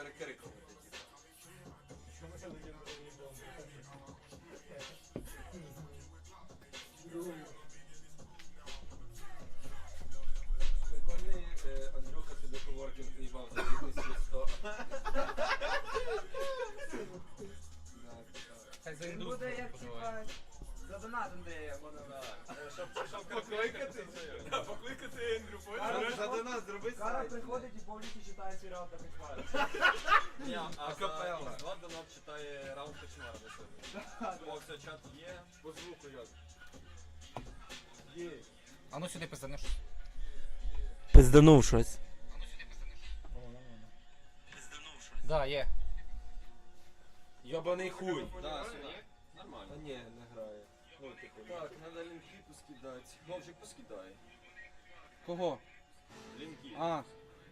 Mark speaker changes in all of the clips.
Speaker 1: перекрикувати. Прикольний Андрюха собі коворкінг в'їбав за 2100.
Speaker 2: Хай за
Speaker 3: Він
Speaker 2: індустрію
Speaker 3: буде як
Speaker 2: поживає.
Speaker 3: типа за донатом, де я можна.
Speaker 1: Щоб покликати? Покликати Ендрю, понял? За донат зроби
Speaker 3: Кара
Speaker 1: сайт.
Speaker 3: приходить і повністю читає свій раунд на кошмар.
Speaker 4: Ні, а
Speaker 1: Акапелла.
Speaker 4: за Влад донат читає раунд кошмара до себе. О, все, чат є.
Speaker 1: По звуку як. Є.
Speaker 2: А ну сюди пизданеш.
Speaker 5: Пизданув щось.
Speaker 2: Да, є.
Speaker 1: Йобаний хуй.
Speaker 4: Да, сюди.
Speaker 1: Та
Speaker 4: Нормально.
Speaker 1: ні, не грає. Ну, типу,
Speaker 4: Так, надо лінки поскидати. Вовчик поскидає.
Speaker 2: Кого?
Speaker 4: Лінки.
Speaker 2: А,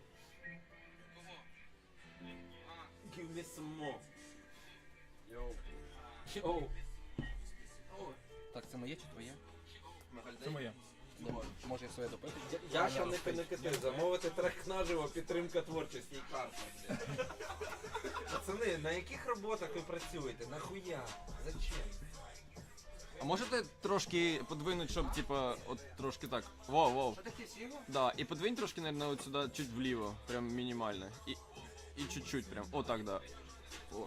Speaker 4: Give me some more. Йоу.
Speaker 2: йоу. Так, це моє чи твоє? Це моє. Може я своє допити?
Speaker 1: Я ще не кити. Замовити трек наживо, підтримка творчості і карта, блядь. Пацани, на яких роботах ви працюєте? Нахуя? Зачем?
Speaker 4: А можете трошки подвинуть, щоб типа, от трошки так. Воу.
Speaker 3: Що таке сіго?
Speaker 4: Да, і подвинь трошки, наверное, от сюди, чуть вліво. Прям мінімально. І чуть-чуть прям. О, так, да. О.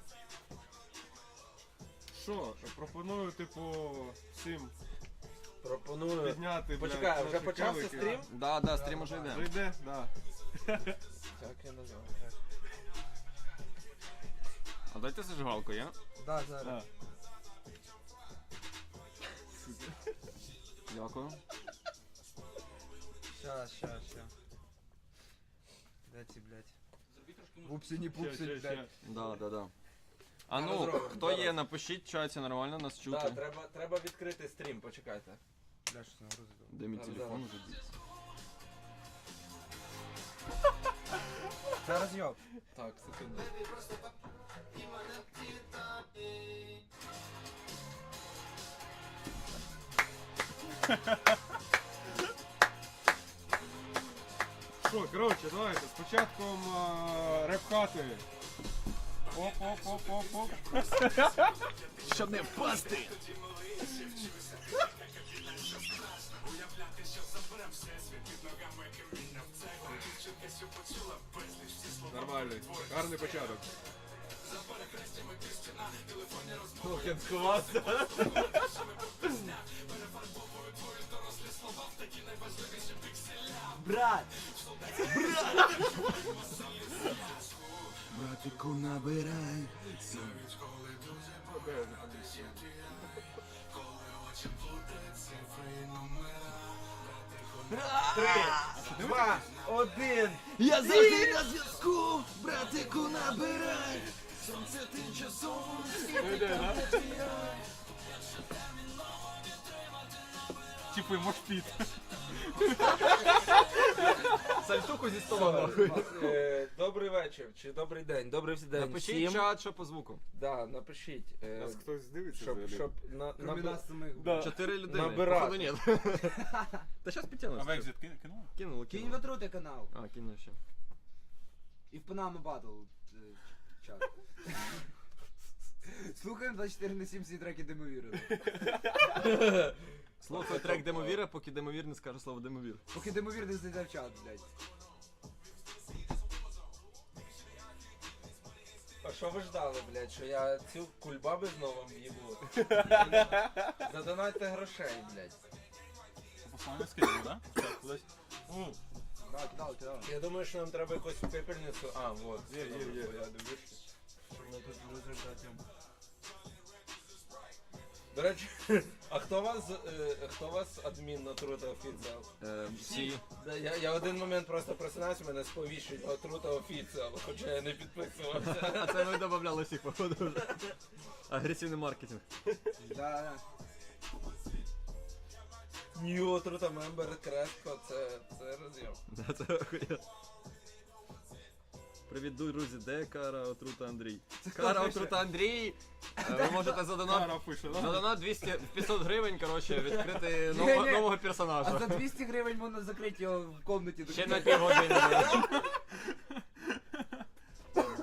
Speaker 6: Що, пропоную, типу, всім
Speaker 1: Пропоную.
Speaker 6: підняти, блядь,
Speaker 1: Почекай, а вже
Speaker 6: наші
Speaker 1: почався
Speaker 6: колики.
Speaker 1: стрім?
Speaker 4: Да, стрім уже йде.
Speaker 6: Вже йде? Да.
Speaker 1: Так, я назвав.
Speaker 4: А дайте зажигалку, я?
Speaker 3: Да, зараз.
Speaker 6: Да.
Speaker 4: Дякую.
Speaker 3: Щас. Де ці, блядь? Пупсі, не пупсі,
Speaker 6: Ща.
Speaker 3: блядь.
Speaker 4: Да. А ну,
Speaker 1: Зробимо,
Speaker 4: хто
Speaker 1: зараз.
Speaker 4: є, напишіть, в чаті нормально нас чути.
Speaker 1: Так, треба відкрити стрім, почекайте.
Speaker 3: Бля, що це нагрузить?
Speaker 4: Де мій
Speaker 1: Зараз,
Speaker 4: телефон
Speaker 1: зараз.
Speaker 4: вже дівся?
Speaker 3: Це розйоб.
Speaker 1: Так, секунду.
Speaker 6: Що, коротше, давайте, з початком реп-хати. Оп.
Speaker 4: Щоб не впасти!
Speaker 6: Нормальний, гарний початок.
Speaker 1: Толкін сховався.
Speaker 3: Брат!
Speaker 4: Братику, набирай.
Speaker 1: Два, один.
Speaker 4: Я завжди на зв'язку, братику, набирай. Сонце тимчасово.
Speaker 6: Типу, мошпіт.
Speaker 4: Сальтуху зі стола нахуй.
Speaker 1: Добрий вечір, чи добрий день, добрий день
Speaker 4: Напишіть
Speaker 1: всім.
Speaker 4: чат, що по звуку.
Speaker 1: Да, напишіть.
Speaker 6: Нас хтось дивиться
Speaker 1: Щоб,
Speaker 6: взагалі?
Speaker 1: щоб
Speaker 3: Кроме нас самих.
Speaker 6: Да.
Speaker 4: 4 людини.
Speaker 1: Набирати.
Speaker 4: Походу ні. Та щас підтягнусь.
Speaker 2: А екзит кинув?
Speaker 4: Кинули.
Speaker 3: Кинь в отрути канал.
Speaker 4: А, кинув ще.
Speaker 3: І в Панами Батл чат. Слухаємо 24/7 всі треки Демовіри.
Speaker 4: Слухай трек Демовіра, поки Демовір не скаже слово Демовір.
Speaker 3: Поки Демовір не зайде в чат, блядь.
Speaker 1: А що ви ждали, блядь, що я цю кульбаби знову в'їбу? Задонайте грошей, блядь.
Speaker 2: Послання скидали, да? Так, кудись.
Speaker 3: Да, кидав.
Speaker 1: Я думаю, що нам треба якусь пепельницю. А, вот.
Speaker 6: Є.
Speaker 1: Я дивлюся. Що ми тут в результаті. До речі, а хто вас адмін на Трута Офіціал?
Speaker 4: Всі.
Speaker 1: Да, я в один момент просто просинаюся, мене сповіщують на Трута Офіціал, хоча я не підписувався.
Speaker 4: А це ми додавали всіх, походу. Агресивний маркетинг.
Speaker 3: Да.
Speaker 1: Нью Трута Мембер Креско, це роз'єм.
Speaker 4: Да, це охуєнно. Привіт, друзі, де Кара Отрута Андрій? Кара Отрута Андрій! Ви можете за донат,
Speaker 6: Кара пише,
Speaker 4: за
Speaker 6: да?
Speaker 4: донат 500 гривень, коротше, відкрити
Speaker 3: Ні-ні.
Speaker 4: нового
Speaker 3: А
Speaker 4: персонажа.
Speaker 3: за 200 гривень можна закрити його в комнаті.
Speaker 4: Ще на півгодини.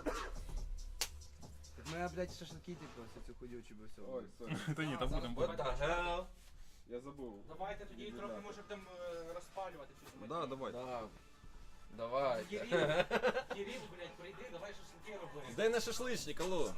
Speaker 3: блядь, шашлики, типу, всю цю хуйню чи би все.
Speaker 6: Ой, сорі.
Speaker 2: Та ні, там будемо.
Speaker 1: What the hell?
Speaker 6: Я забув.
Speaker 2: Давайте тоді трохи може будемо розпалювати щось.
Speaker 6: Да, давай.
Speaker 1: Да. Давай.
Speaker 2: Кирил, блядь, прийди, давай шашлики робити.
Speaker 4: Дай на шашличник, алло.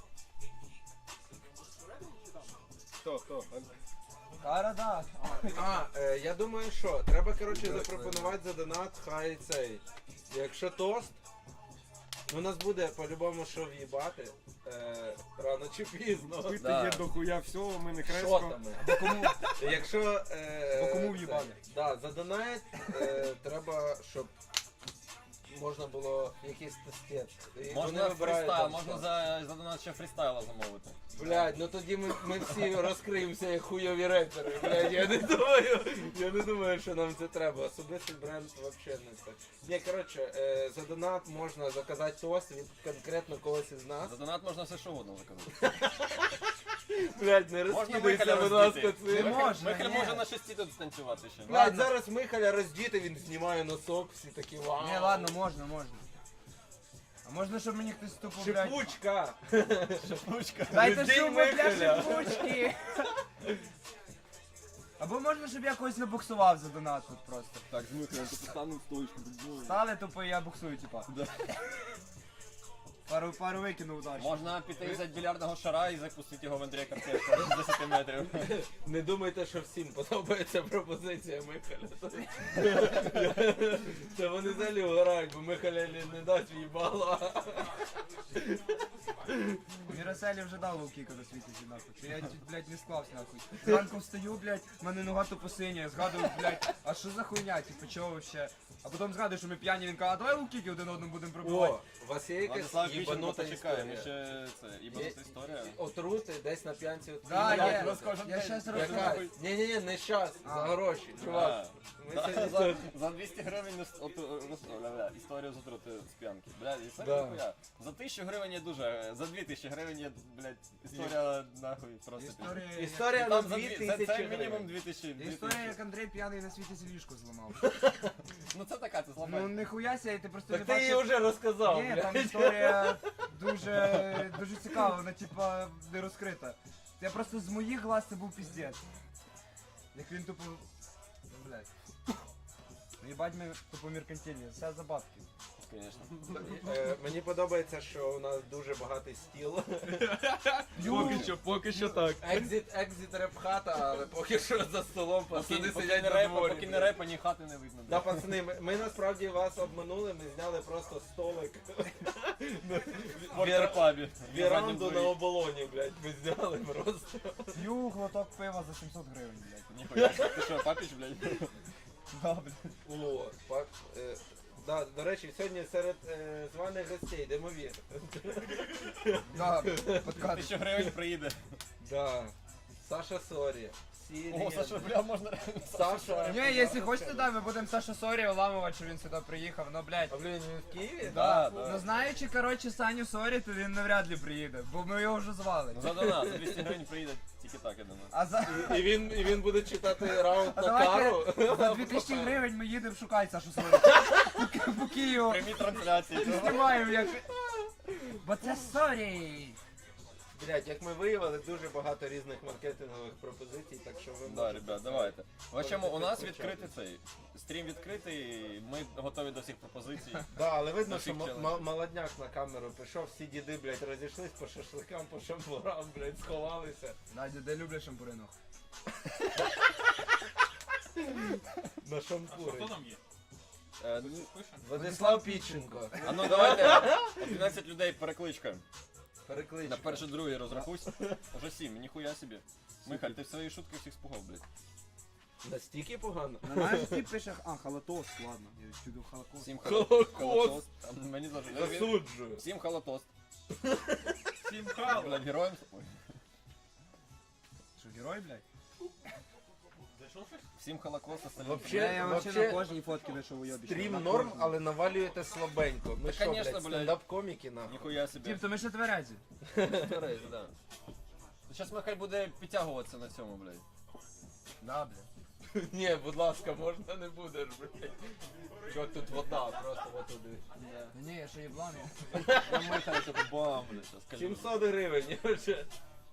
Speaker 6: Хто?
Speaker 3: Кара, да.
Speaker 1: Я думаю, що треба, коротше, запропонувати за донат, хай цей. Якщо тост, ну, у нас буде по-любому що в'їбати. Рано чи пізно.
Speaker 6: Пити
Speaker 4: Да.
Speaker 6: є дохуя всього, ми не креско.
Speaker 1: Шотами. Якщо...
Speaker 3: Бо кому
Speaker 1: це,
Speaker 3: в'їбати?
Speaker 1: Да, за донат треба, щоб можна було якийсь тестет. І вони
Speaker 4: Можна
Speaker 1: вибирають
Speaker 4: фрістайл,
Speaker 1: там
Speaker 4: можна
Speaker 1: що.
Speaker 4: за донат ще фрістайла замовити.
Speaker 1: Блядь, ну тоді ми всі розкриємося як хуйові репери. Блядь, я не думаю, що нам це треба. Особистий бренд взагалі не це. Ні, коротше, за донат можна заказати тост від конкретно когось із нас.
Speaker 4: За донат можна все що угодно заказати.
Speaker 1: Блядь, не
Speaker 4: Можна
Speaker 1: розкидайся,
Speaker 4: Михаля
Speaker 1: будь ласка,
Speaker 4: роздіти.
Speaker 1: цим.
Speaker 3: можна,
Speaker 4: Михайль
Speaker 3: ні.
Speaker 4: може на шесті тут станцювати ще.
Speaker 1: Блядь, зараз Михаля роздіти, він знімає носок, всі такі вау.
Speaker 3: Ні, ладно, можна. А можна, щоб мені хтось тупо, блядь...
Speaker 1: Шипучка.
Speaker 4: Шипучка.
Speaker 3: Дайте
Speaker 1: Роздій
Speaker 3: шуму для
Speaker 1: Михаля.
Speaker 3: шипучки! Або можна, щоб я когось набуксував за донат тут просто.
Speaker 4: Так, з Михайлем ти поставив стоїчку.
Speaker 3: Стали тупо, і я буксую, типа. Пару викинув удачі.
Speaker 4: Можна піти взяти більярдного шара і запустити його в Андрія Картешка з 10 метрів.
Speaker 1: Не думайте, що всім подобається пропозиція Михаля. Це вони взагалі вгорають, бо Михаля не дасть їбала.
Speaker 3: Міроселі вже дав ловкіка до світу, нахуй. Чи я чуть, блядь, не склався, нахуй. Зранку встаю, блядь, в мене нога тупо синя, згадую, блядь, а що за хуйня, типу, чого вообще? А потім згадую, що ми п'яні, він каже, а давай ловкіки один одному будемо пробивати.
Speaker 1: О, у вас є якась
Speaker 4: Владислав Віченко
Speaker 1: їбанута
Speaker 4: почекає, ми
Speaker 1: історія?
Speaker 4: ще це, їбанута історія.
Speaker 1: Отрути десь на п'янці.
Speaker 3: Да,
Speaker 1: Ім'я
Speaker 3: є,
Speaker 1: просто.
Speaker 3: я щас
Speaker 1: Яка?
Speaker 3: розкажу.
Speaker 1: Ні, не щас, за
Speaker 3: А.
Speaker 1: гроші, чувак. Ми
Speaker 4: Да,
Speaker 1: сьогодні
Speaker 4: за 200 гривень історію з отрути з п'янки. Блядь, і
Speaker 1: Да.
Speaker 4: це ніхуя. За 1000 гривень є дуже, за 2000 гривень є, блядь, історія нахуй просто.
Speaker 1: Історія на
Speaker 4: Там за
Speaker 1: 2000
Speaker 4: це мінімум
Speaker 1: гривень.
Speaker 4: 2000.
Speaker 3: Історія, як Андрій п'яний на світі ліжко зламав.
Speaker 4: Ну це така, це
Speaker 3: Ну
Speaker 4: слабе.
Speaker 3: ніхуя ся, ти просто
Speaker 1: Так
Speaker 3: не
Speaker 1: ти її
Speaker 3: бачив.
Speaker 1: вже розказав,
Speaker 3: Ні, там
Speaker 1: блядь.
Speaker 3: історія дуже цікава, вона типа не розкрита. Я просто з моїх глаз це був піздець. Як він тупо... Блядь. Ну їбать ми тупо меркантильні, все за бабки.
Speaker 4: Звісно.
Speaker 1: Мені подобається, що у нас дуже багатий стіл.
Speaker 6: Поки що так.
Speaker 1: Екзит реп-хата, але поки що за столом пацани сидять на
Speaker 4: Поки
Speaker 1: дворі.
Speaker 4: не репа, ні хати не видно.
Speaker 1: Да,
Speaker 4: блядь.
Speaker 1: пацани, ми насправді вас обманули, ми зняли просто столик.
Speaker 4: В Вортерпабі.
Speaker 1: Віранду на оболоні, блядь, ми зняли просто.
Speaker 3: П'ю глоток пива за 700 гривень, блядь.
Speaker 4: Ніхуя. Ти що, папіч, блядь?
Speaker 3: Да, блядь.
Speaker 1: О, да, до речі, сьогодні серед званих гостей Демовір.
Speaker 3: Да, подкат.
Speaker 4: 1000 гривень приїде.
Speaker 1: Да. Саша Сорі. Всі
Speaker 4: О,
Speaker 1: легенди.
Speaker 4: Саша, бля, можна.
Speaker 1: Саша.
Speaker 3: Ні, якщо хочете, да, ми будемо Саша Сорі уламувати, що він сюди приїхав, ну, блядь.
Speaker 1: А блін, він в Києві?
Speaker 4: Да,
Speaker 3: Ну
Speaker 4: да.
Speaker 3: знаючи, коротше, Саню Сорі, то він навряд ли приїде, бо ми його вже звали.
Speaker 4: Ну за донат, за 200 гривень приїде тільки так, я думаю.
Speaker 3: А за...
Speaker 1: І він буде читати раунд
Speaker 3: А
Speaker 1: на
Speaker 3: давайте
Speaker 1: кару.
Speaker 3: за 2000 гривень ми їдемо шукати Сашу Сорі. По Києву.
Speaker 4: Прямі трансляції.
Speaker 3: Знімаємо як... Бо це Сорі.
Speaker 1: Блять, як ми виявили, дуже багато різних маркетингових пропозицій, так що ви
Speaker 4: Да, ребят, давайте. В общем, у нас
Speaker 1: Можете
Speaker 4: відкритий цей. Стрім відкритий, ми готові до всіх пропозицій.
Speaker 1: Да, але видно,
Speaker 4: На
Speaker 1: що
Speaker 4: всіх челенджах.
Speaker 1: молодняк на камеру пішов, всі діди, блядь, розійшлись по шашликам, по шампурам, блядь, сховалися.
Speaker 3: Надя, де люблять шампуринок?
Speaker 1: На шампури.
Speaker 2: там є?
Speaker 1: Владислав Піченко.
Speaker 4: А ну давайте 11 людей перекличка.
Speaker 1: Перекличка.
Speaker 4: На перший, другий розрахуйся. Уже 7, ніхуя собі. Михаль, ти в свої шутки всіх спугав, блядь.
Speaker 1: Настільки погано?
Speaker 3: На нашій ті пише, халатос, ладно, я чудо халатос.
Speaker 4: 7
Speaker 1: Холокост.
Speaker 4: Мені завжди.
Speaker 1: Засуджую.
Speaker 4: 7 холотост.
Speaker 2: 7 хал.
Speaker 4: Блядь, героям. Ой.
Speaker 3: Що, герой, блядь?
Speaker 2: Зайшов щось?
Speaker 4: 7 холокост, остальні.
Speaker 1: Вообще-
Speaker 3: Я вообще на
Speaker 1: вообще
Speaker 3: кожній фотці вийшов уйобіще.
Speaker 1: Стрім
Speaker 3: На
Speaker 1: норм,
Speaker 3: кожній.
Speaker 1: але навалюєте слабенько. Ми
Speaker 4: Та,
Speaker 1: що,
Speaker 4: конечно,
Speaker 1: блядь,
Speaker 4: блядь.
Speaker 1: стендап-коміки, нахуй?
Speaker 4: Ніхуя собі.
Speaker 3: Тіп, то ми ще тверезі.
Speaker 4: Терезі, да. Зараз Михаль буде підтягуватися на цьому, блядь.
Speaker 3: Да, блядь.
Speaker 1: Ні, будь ласка, можна не будеш, блядь. Що тут вода, просто отуди.
Speaker 3: Ні, я ще єбланий.
Speaker 2: Я михаю, що бам, блядь, сейчас скажу.
Speaker 1: 700 гривень, вже.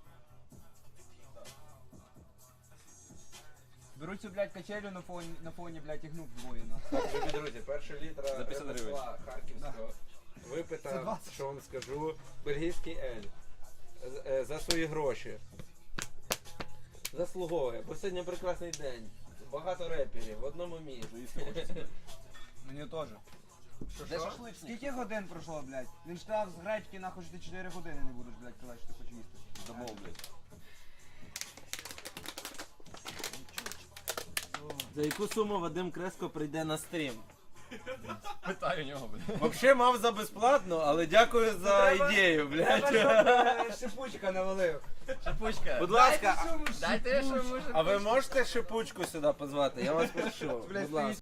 Speaker 3: Беру цю, блядь, качелю на фоні, блядь, і гну вдвоє, нахуй.
Speaker 1: Так, любі друзі, перша літра
Speaker 2: За 50 гривень.
Speaker 1: ремесла харківського.
Speaker 3: За
Speaker 1: Випита,
Speaker 3: 20.
Speaker 1: що вам скажу, бельгійський ель. За свої гроші. Заслуговує, бо сьогодні прекрасний день. Багато реперів в одному місці.
Speaker 3: Мені теж.
Speaker 2: Де шашличник?
Speaker 3: Скільки годин пройшло, блядь? Він штраф з гречки, нахуй, що ти 4 години не будеш, блядь, казати, що ти хочеш їсти.
Speaker 2: Замов, блядь.
Speaker 1: За яку суму Вадим Креско прийде на стрім?
Speaker 4: Питаю у нього, блядь.
Speaker 1: Взагалі мав за безплатно, але дякую за ідею,
Speaker 3: Треба,
Speaker 1: блядь.
Speaker 3: щоб шипучка навалив.
Speaker 2: Шипучка.
Speaker 1: Будь ласка,
Speaker 2: Дайте, що може.
Speaker 1: а ви можете шипучку сюди позвати? Я вас прошу.
Speaker 3: Блядь,
Speaker 1: Будь ласка.